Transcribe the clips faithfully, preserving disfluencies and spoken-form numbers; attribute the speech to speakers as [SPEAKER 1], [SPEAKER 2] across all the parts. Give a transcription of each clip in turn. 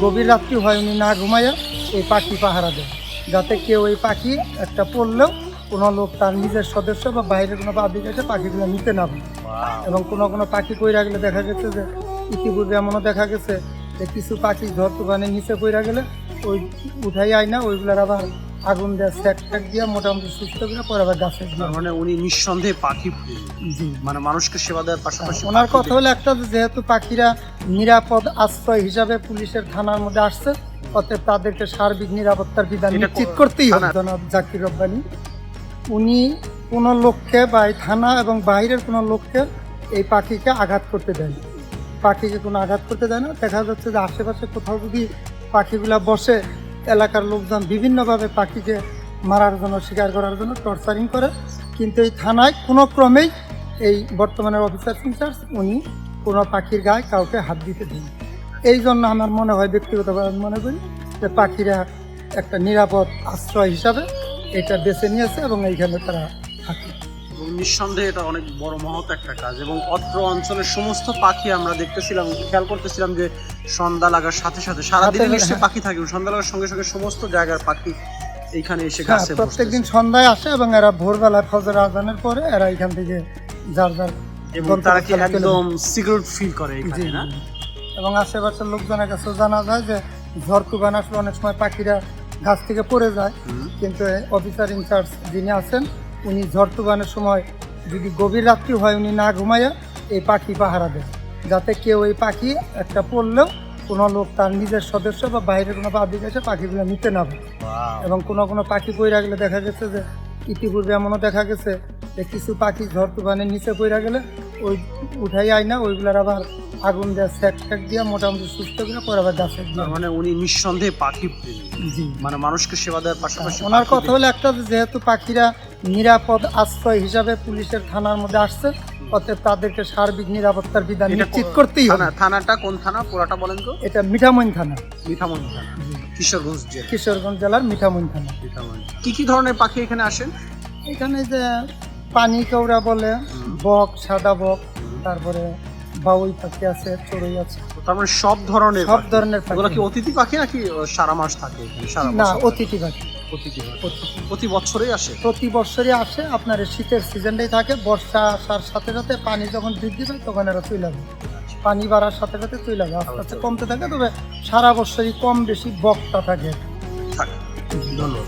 [SPEAKER 1] গভীর রাত্রি হয় উনি না ঘুমাইয়া এই পাখি পাহারা দেয়, যাতে কেউ এই পাখি একটা পড়লেও কোনো লোক তার নিজের সদস্য বা বাইরের কোনো পাবলিক এসে পাখিগুলো নিতে না পারে। এবং কোনো কোনো পাখি কইরা গেলে দেখা গেছে যে ইতিপূর্বে এমনও দেখা গেছে যে কিছু পাখি ঝড় তুফানের নিচে কইরা গেলে ওই উঠাই আয় না, ওইগুলোর আবার আগুন দেওয়া স্যাক ট্যাক দিয়ে মোটামুটি সুস্থ করে পরে আবার গাছে দিয়ে।
[SPEAKER 2] মানে উনি নিঃসন্দেহে পাখি
[SPEAKER 1] জি,
[SPEAKER 2] মানে মানুষকে সেবা দেওয়ার পাশাপাশি
[SPEAKER 1] ওনার কথা হলো একটা, যেহেতু পাখিরা নিরাপদ আশ্রয় হিসাবে পুলিশের থানার মধ্যে আসছে, অতএব তাদেরকে সার্বিক নিরাপত্তার বিধান নিশ্চিত করতেই হবে। জনাব জাকির রব্বানী উনি কোনো লোককে বা এই থানা এবং বাইরের কোনো লোককে এই পাখিকে আঘাত করতে দেয় না, পাখিকে কোনো আঘাত করতে দেয় না। দেখা যাচ্ছে যে আশেপাশে কোথাও যদি পাখিগুলা বসে, এলাকার লোকজন বিভিন্নভাবে পাখিকে মারার জন্য, শিকার করার জন্য টর্চারিং করে, কিন্তু এই থানায় কোনো ক্রমেই এই বর্তমানের অফিসার ইনচার্জ উনি কোনো পাখির গায়ে কাউকে হাত দিতে দেন। এই জন্য আমার মনে হয়, ব্যক্তিগতভাবে আমি মনে করি যে পাখিরা একটা নিরাপদ আশ্রয় হিসাবে এটা বেছে নিয়েছে এবং এইখানে তারা থাকে।
[SPEAKER 2] এবং নিঃসন্দেহে এটা অনেক বড় মহৎ একটা কাজ। এবং অত্র অঞ্চলের সমস্ত পাখি আমরা দেখতেছিলাম, খেয়াল করতেছিলাম যে সন্ধ্যা লাগার সাথে সাথে সারাদিন নিশ্চয়ই পাখি থাকে, সন্ধ্যা লাগার সঙ্গে সঙ্গে সমস্ত জায়গার পাখি এইখানে এসে গাছে বসে।
[SPEAKER 1] প্রত্যেকদিন সন্ধ্যায় আসে এবং এরা ভোরবেলায় ফজর আজানের পরে এরা এখান থেকে যার যার
[SPEAKER 2] এবং তারা কি একদম সিকিউর ফিল করে এখানে, না?
[SPEAKER 1] এবং আশেপাশের লোকজনের কাছে জানা যায় যে ঝড় তুফান আসলে অনেক সময় পাখিরা গাছ থেকে পড়ে যায়, কিন্তু অফিসার ইনচার্জ যিনি আছেন উনি ঝড় তুফানের সময় যদি গভীর রাত্রি হয় উনি না ঘুমাইয়া এই পাখি পাহারা দেয়, যাতে কেউ এই পাখি একটা পড়লেও কোনো লোক তার নিজের সদস্য বা বাইরের কোনো পাবলিক এসে পাখিগুলো নিতে না পারে। এবং কোনো কোনো পাখি কইরা গেলে দেখা গেছে যে ইতিপূর্বে এমনও দেখা গেছে যে কিছু পাখি ঝড় তুফানের নিচে কইরা গেলে ওই উঠাই আয় না, ওইগুলোর আবার আগুন দেওয়া স্যাক ট্যাক দিয়ে মোটামুটি সুস্থ করে পরে আবার গাছে দিয়ে।
[SPEAKER 2] মানে উনি নিঃসন্দেহে পাখি
[SPEAKER 1] জি,
[SPEAKER 2] মানে মানুষকে সেবা দেওয়ার পাশাপাশি
[SPEAKER 1] ওনার কথা হলো একটা, যেহেতু পাখিরা নিরাপদ আশ্রয় হিসাবে পুলিশের থানার মধ্যে আসছে, অতএব তাদেরকে সার্বিক নিরাপত্তার বিধান নিশ্চিত করতেই হবে।
[SPEAKER 2] থানাটা কোন থানা পুরাটা বলেন তো?
[SPEAKER 1] এটা মিঠামইন থানা,
[SPEAKER 2] মিঠামইন থানা, কিশোরগঞ্জ জেলা,
[SPEAKER 1] কিশোরগঞ্জ জেলার মিঠামইন থানা।
[SPEAKER 2] কি কি ধরনের পাখি এখানে আসেন?
[SPEAKER 1] এখানে যে পানি কেওড়া বলে, বক, সাদা বক, তারপরে বাউই পাখি আছে, চড়ুই আছে,
[SPEAKER 2] তার মানে সব ধরনের
[SPEAKER 1] সব ধরনের পাখি।
[SPEAKER 2] এগুলো কি অতিথি পাখি নাকি সারা মাস থাকে এখানে? সারা
[SPEAKER 1] না,
[SPEAKER 2] বছর
[SPEAKER 1] অতিথি পাখি।
[SPEAKER 2] অতিথি পাখি প্রতি বছরই আসে?
[SPEAKER 1] প্রতি বছরই আসে। আপনার এই শীতের সিজনটাই থাকে, বর্ষা আসার সাথে সাথে পানি যখন বৃদ্ধি পায় তখন এরা চলে যাবে, পানি বাড়ার সাথে সাথে চলে যাবে, আস্তে আস্তে কমতে থাকে। তবে সারা বছরই কম বেশি বকটা থাকে।
[SPEAKER 2] ধন্যবাদ।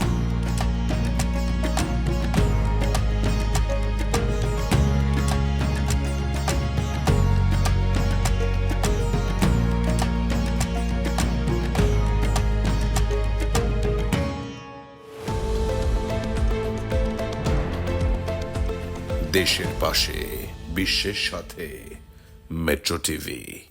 [SPEAKER 3] দেশের পাশে, বিশ্বের সাথে, মেট্রো টিভি।